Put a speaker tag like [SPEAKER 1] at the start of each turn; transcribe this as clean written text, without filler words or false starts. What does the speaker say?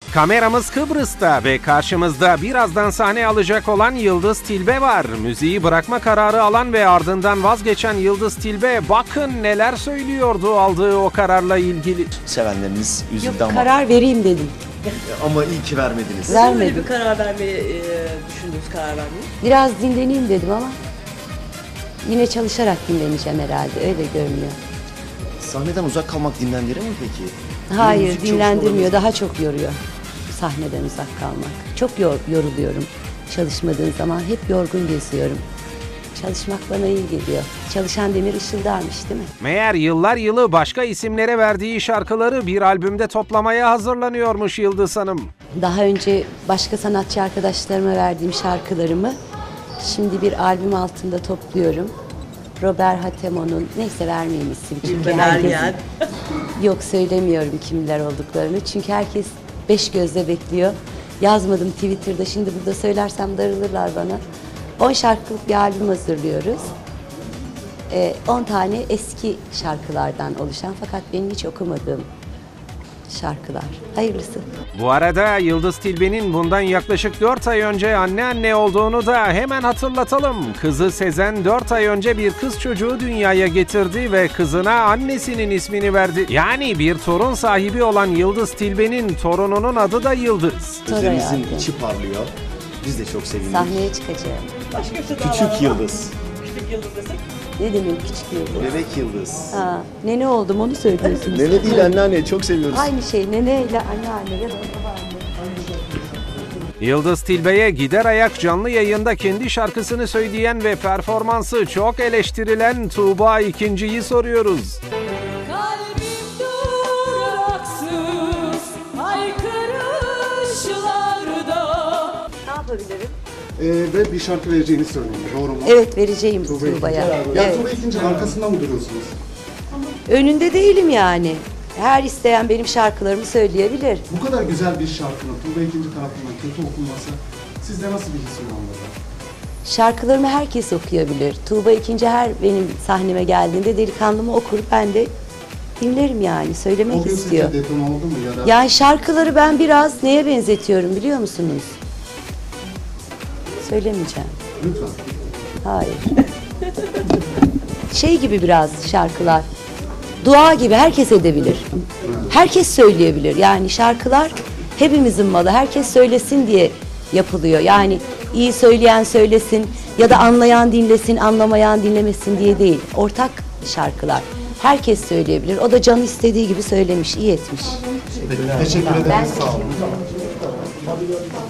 [SPEAKER 1] Kameramız Kıbrıs'ta ve karşımızda birazdan sahne alacak olan Yıldız Tilbe var. Müziği bırakma kararı alan ve ardından vazgeçen Yıldız Tilbe bakın neler söylüyordu aldığı o kararla ilgili.
[SPEAKER 2] Sevenleriniz üzüldü
[SPEAKER 3] Yok,
[SPEAKER 2] ama
[SPEAKER 3] karar vereyim dedim.
[SPEAKER 2] ama iyi ki vermediniz.
[SPEAKER 3] Vermedim.
[SPEAKER 4] Böyle bir karar vermeyi düşündünüz, karar vermeyi?
[SPEAKER 3] Biraz dinleneyim dedim ama yine çalışarak dinleneceğim herhalde. Öyle görünüyor.
[SPEAKER 2] Sahneden uzak kalmak dinlendirir mi peki?
[SPEAKER 3] Hayır,
[SPEAKER 2] Müzik çalışmalarınız-
[SPEAKER 3] dinlendirmiyor. Daha çok yoruyor. Sahneden uzak kalmak. Çok yoruluyorum. Çalışmadığım zaman hep yorgun geziyorum. Çalışmak bana iyi geliyor. Çalışan demir ışıldarmış değil mi?
[SPEAKER 1] Meğer yıllar yılı başka isimlere verdiği şarkıları bir albümde toplamaya hazırlanıyormuş Yıldız Hanım.
[SPEAKER 3] Daha önce başka sanatçı arkadaşlarıma verdiğim şarkılarımı şimdi bir albüm altında topluyorum. Robert Hatemo'nun, neyse vermeyeyim isim çünkü herkes...
[SPEAKER 4] Bergen.
[SPEAKER 3] Yok, söylemiyorum kimler olduklarını çünkü herkes 5 gözle bekliyor. Yazmadım Twitter'da, şimdi burada söylersem darılırlar bana. 10 şarkılık bir albüm hazırlıyoruz. 10 tane eski şarkılardan oluşan fakat benim hiç okumadığım şarkılar. Hayırlısı.
[SPEAKER 1] Bu arada Yıldız Tilbe'nin bundan yaklaşık 4 ay önce anne olduğunu da hemen hatırlatalım. Kızı Sezen 4 ay önce bir kız çocuğu dünyaya getirdi ve kızına annesinin ismini verdi. Yani bir torun sahibi olan Yıldız Tilbe'nin torununun adı da Yıldız.
[SPEAKER 2] Gözlerinizin
[SPEAKER 3] hayatım.
[SPEAKER 2] içi parlıyor. Biz de çok sevindik.
[SPEAKER 3] Sahneye çıkacağım.
[SPEAKER 4] Başka bir şey daha var
[SPEAKER 2] Küçük
[SPEAKER 4] mı?
[SPEAKER 2] Yıldız,
[SPEAKER 4] Küçük yıldız desek.
[SPEAKER 3] Ne demek küçük yıldız?
[SPEAKER 2] bebek Yıldız.
[SPEAKER 3] Ha, nene oldum onu söylüyorsunuz.
[SPEAKER 2] Nene değil anneanne, çok seviyoruz.
[SPEAKER 3] Aynı şey, nene ile anneanne ya da babaanne.
[SPEAKER 1] Yıldız Tilbe'ye gider ayak canlı yayında kendi şarkısını söyleyen ve performansı çok eleştirilen Tuğba İkinci'yi soruyoruz.
[SPEAKER 5] Kalbim duraksız haykırışlarda.
[SPEAKER 3] Ne yapabilirim?
[SPEAKER 6] Ve bir şarkı vereceğini söylüyor. Doğru mu?
[SPEAKER 3] Evet, vereceğim
[SPEAKER 6] Tuğba
[SPEAKER 3] Tuğba'ya.
[SPEAKER 6] ikinci. Ya
[SPEAKER 3] Evet.
[SPEAKER 6] Tuğba ikinci arkasında mı duruyorsunuz?
[SPEAKER 3] Önünde değilim yani. Her isteyen benim şarkılarımı söyleyebilir.
[SPEAKER 6] Bu kadar güzel bir şarkının Tuğba ikinci tarafından kötü okunması sizde nasıl bir his uyandırdı?
[SPEAKER 3] Şarkılarımı herkes okuyabilir. Tuğba ikinci her benim sahneme geldiğinde delikanlımı okur, ben de dinlerim yani.
[SPEAKER 6] O
[SPEAKER 3] Söylemek
[SPEAKER 6] gün
[SPEAKER 3] istiyor.
[SPEAKER 6] sizce deton oldu mu ya da
[SPEAKER 3] Yani şarkıları ben biraz neye benzetiyorum biliyor musunuz? Söylemeyeceğim.
[SPEAKER 6] lütfen.
[SPEAKER 3] Hayır. Şey gibi biraz şarkılar. Dua gibi herkes edebilir. Herkes söyleyebilir. Yani şarkılar hepimizin malı. Herkes söylesin diye yapılıyor. Yani iyi söyleyen söylesin ya da anlayan dinlesin, anlamayan dinlemesin diye değil. Ortak şarkılar. Herkes söyleyebilir. O da canı istediği gibi söylemiş, iyi etmiş.
[SPEAKER 6] Teşekkür ederim. Sağ olun.